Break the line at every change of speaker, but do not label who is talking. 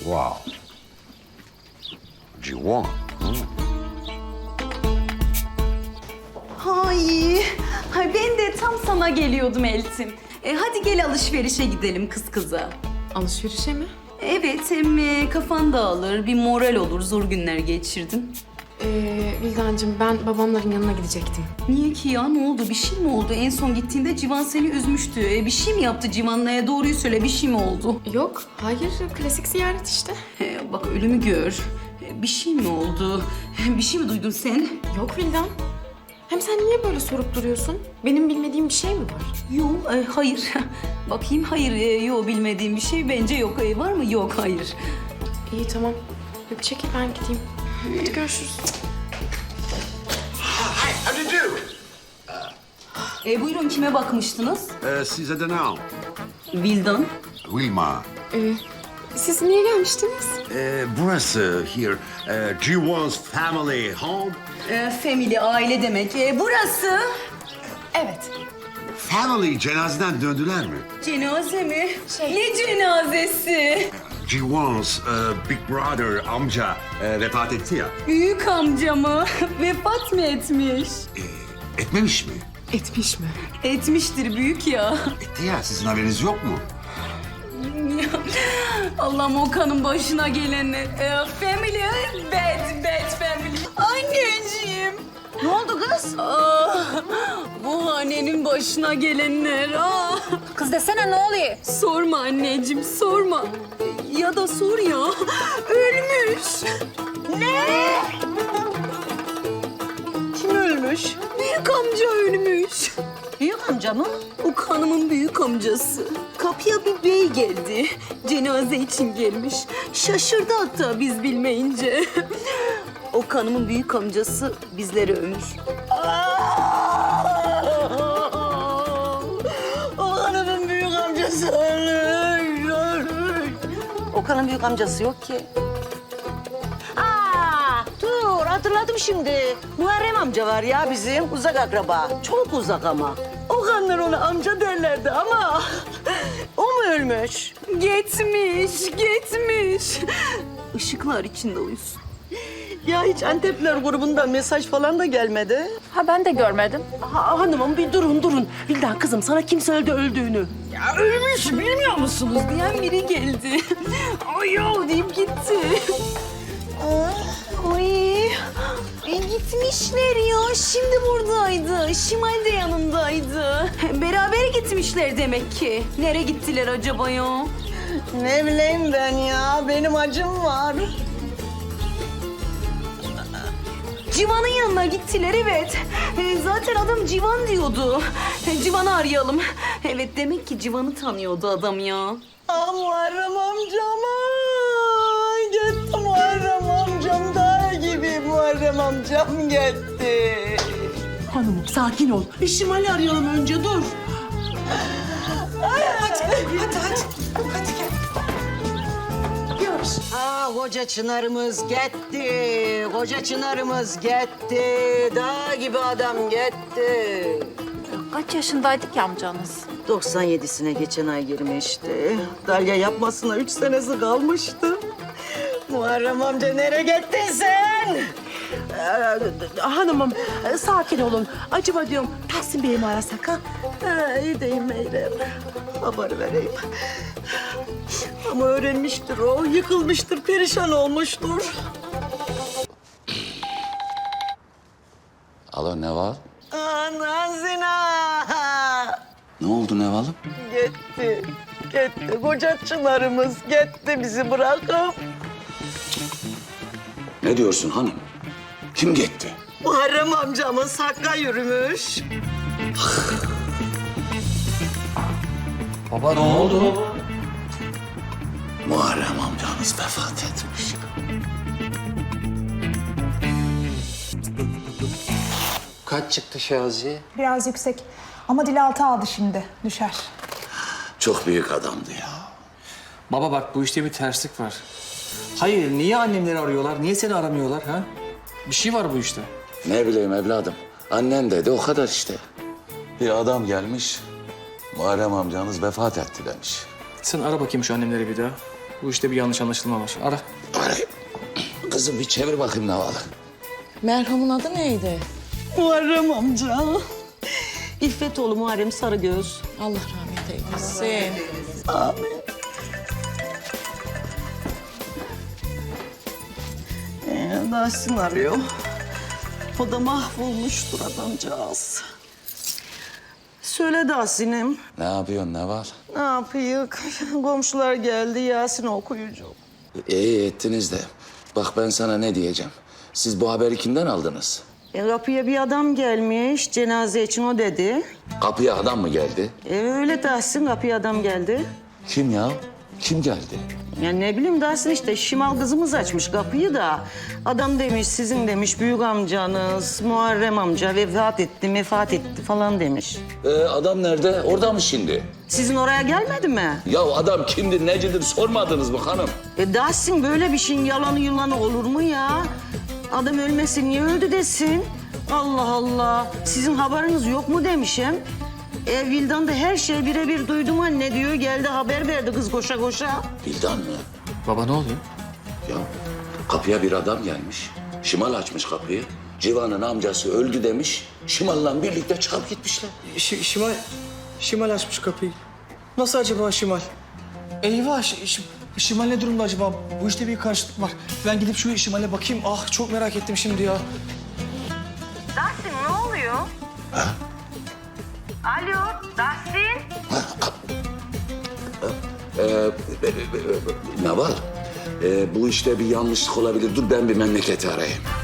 Wow. Civan.
Ay ben de tam sana geliyordum Eltim. Hadi gel alışverişe gidelim kız kıza.
Alışverişe mi?
Evet, hem kafan dağılır, bir moral olur, zor günler geçirdin.
Vildancığım ben babamların yanına gidecektim.
Niye ki ya? Ne oldu? Bir şey mi oldu? En son gittiğinde Civan seni üzmüştü. Bir şey mi yaptı Civan'la? Doğruyu söyle, bir şey mi oldu?
Yok, hayır. Klasik ziyaret işte.
Bak ölümü gör. Bir şey mi oldu? Bir şey mi duydun sen?
Yok Vildan. Hem sen niye böyle sorup duruyorsun? Benim bilmediğim bir şey mi var?
Yok, hayır. Bakayım, hayır. Yok, bilmediğim bir şey bence yok. Var mı? Yok, hayır.
İyi tamam. Hadi çekil ben gideyim. Hadi görüşürüz.
Hi, how do you do?
Buyurun, kime bakmıştınız?
Size de ne al?
Vildan.
Wilma.
Siz niye gelmiştiniz?
Burası here. Civan's family home.
Family, aile demek. Burası.
Evet.
Family cenazeden döndüler mi?
Cenaze mi? Ne cenazesi?
Civan's big brother amca vefat etti ya.
Büyük amcamı vefat mı etmiş?
Etmemiş mi?
Etmiş mi?
Etmiştir büyük ya.
Etti ya. Sizin haberiniz yok mu?
Allah'ım Okan'ın başına gelenler. Family, bad family. Anneciğim.
Ne oldu kız?
Bu hanenin başına gelenler.
Kız desene ne oluyor?
Sorma anneciğim, sorma. Ya da sor ya. Ölmüş.
Ne? Kim ölmüş?
Büyük amca ölmüş.
Büyük amca mı?
Okan'ımın büyük amcası. Kapıya bir bey geldi. Cenaze için gelmiş. Şaşırdı hatta biz bilmeyince. Okan'ımın büyük amcası bizleri ömür.
Okan'ın büyük amcası ölmüş. Okan'ın büyük amcası yok ki. Dur hatırladım şimdi. Muharrem amca var ya bizim uzak akraba. Çok uzak ama. Okanlar ona amca derlerdi ama o mu ölmüş?
Gitmiş. Işıklar içinde uyusun.
Ya hiç Antepler grubundan mesaj falan da gelmedi.
Ha ben de görmedim.
Hanımım bir durun. Vildan kızım sana kim söyledi öldüğünü?
Ya ölmüş bilmiyor musunuz diyen biri geldi. Ay ya deyip gitti. Ay gitmişler ya. Şimdi buradaydı. Şimal de yanındaydı. Beraber gitmişler demek ki. Nereye gittiler acaba ya?
Ne bileyim ben ya benim acım var.
Civan'ın yanına gittiler evet. Zaten adam Civan diyordu. Civan'ı arayalım. Evet demek ki Civan'ı tanıyordu adam ya.
Muharrem amcama. Gitti Muharrem amcam daha gibi Muharrem amcam gitti.
Hanımım sakin ol. Bir Şimal'i arayalım önce dur.
Koca Çınar'ımız gitti. Koca Çınar'ımız gitti. Dağ gibi adam gitti.
Kaç yaşındaydı ki amcanız?
97'sine geçen ay girmişti. Dalya yapmasına 3 senesi kalmıştı. Muharrem amca nereye gittin sen?
Hanımım sakin olun. Acaba diyorum Tahsin Bey'i mi arasak ha?
İyi deyim Meyrem. Haber vereyim. Ama öğrenmiştir o. Yıkılmıştır, perişan olmuştur.
Alo Neval.
Nazina.
Ne oldu Neval'ım?
Gitti. Koca Çınar'ımız gitti bizi bırakıp.
Ne diyorsun hanım? Kim gitti?
Muharrem amcamız Hakk'a yürümüş.
Baba ne oldu? Muharrem amcanız vefat etmiş.
Kaç çıktı Şaziye?
Biraz yüksek ama dil altı aldı şimdi. Düşer.
Çok büyük adamdı ya.
Baba bak bu işte bir terslik var. Hayır niye annemleri arıyorlar? Niye seni aramıyorlar ha? Bir şey var bu işte.
Ne bileyim evladım. Annen dedi o kadar işte. Bir adam gelmiş. Muharrem amcanız vefat etti demiş.
Sen ara bakayım şu annemleri bir daha. Bu işte bir yanlış anlaşılma var. Ara.
Arayayım. Kızım bir çevir bakayım Neval'ı.
Merhumun adı neydi?
Muharrem amca. İffetoğlu Muharrem Sarıgöz.
Allah rahmet eylesin.
Dersin arıyor. O da mahvolmuştur adamcağız. Söyle Dersin'im.
Ne yapıyorsun Neval?
Ne yapayım? Komşular geldi, Yasin okuyucu.
İyi ettiniz de. Bak ben sana ne diyeceğim. Siz bu haberi kimden aldınız?
Kapıya bir adam gelmiş, cenaze için o dedi.
Kapıya adam mı geldi?
Öyle Dersin, kapıya adam geldi.
Kim ya? Kim geldi?
Ya ne bileyim Dersin işte, Şimal kızımız açmış kapıyı da. Adam demiş, sizin demiş büyük amcanız, Muharrem amca vefat etti falan demiş.
Adam nerede? Orada mı şimdi?
Sizin oraya gelmedi mi?
Ya adam kimdir, necidir sormadınız mı hanım?
Dersin böyle bir şeyin yalanı yulanı olur mu ya? Adam ölmesin, niye öldü desin? Allah Allah, sizin haberiniz yok mu demişim. Vildan da her şeyi birebir duydum anne diyor. Geldi haber verdi kız koşa koşa.
Bildan mı?
Baba ne oluyor?
Ya kapıya bir adam gelmiş. Şimal açmış kapıyı. Civan'ın amcası öldü demiş. Şimal'la birlikte çıkıp gitmişler.
Şimal açmış kapıyı. Nasıl acaba Şimal? Eyvah, Şimal ne durumda acaba? Bu işte bir karışıklık var. Ben gidip şu Şimal'e bakayım. Ah, çok merak ettim şimdi ya.
Dersin ne oluyor?
Ha?
Alo Dersin.
Ne var? Bu işte bir yanlışlık olabilir. Dur ben bir memleketi arayayım.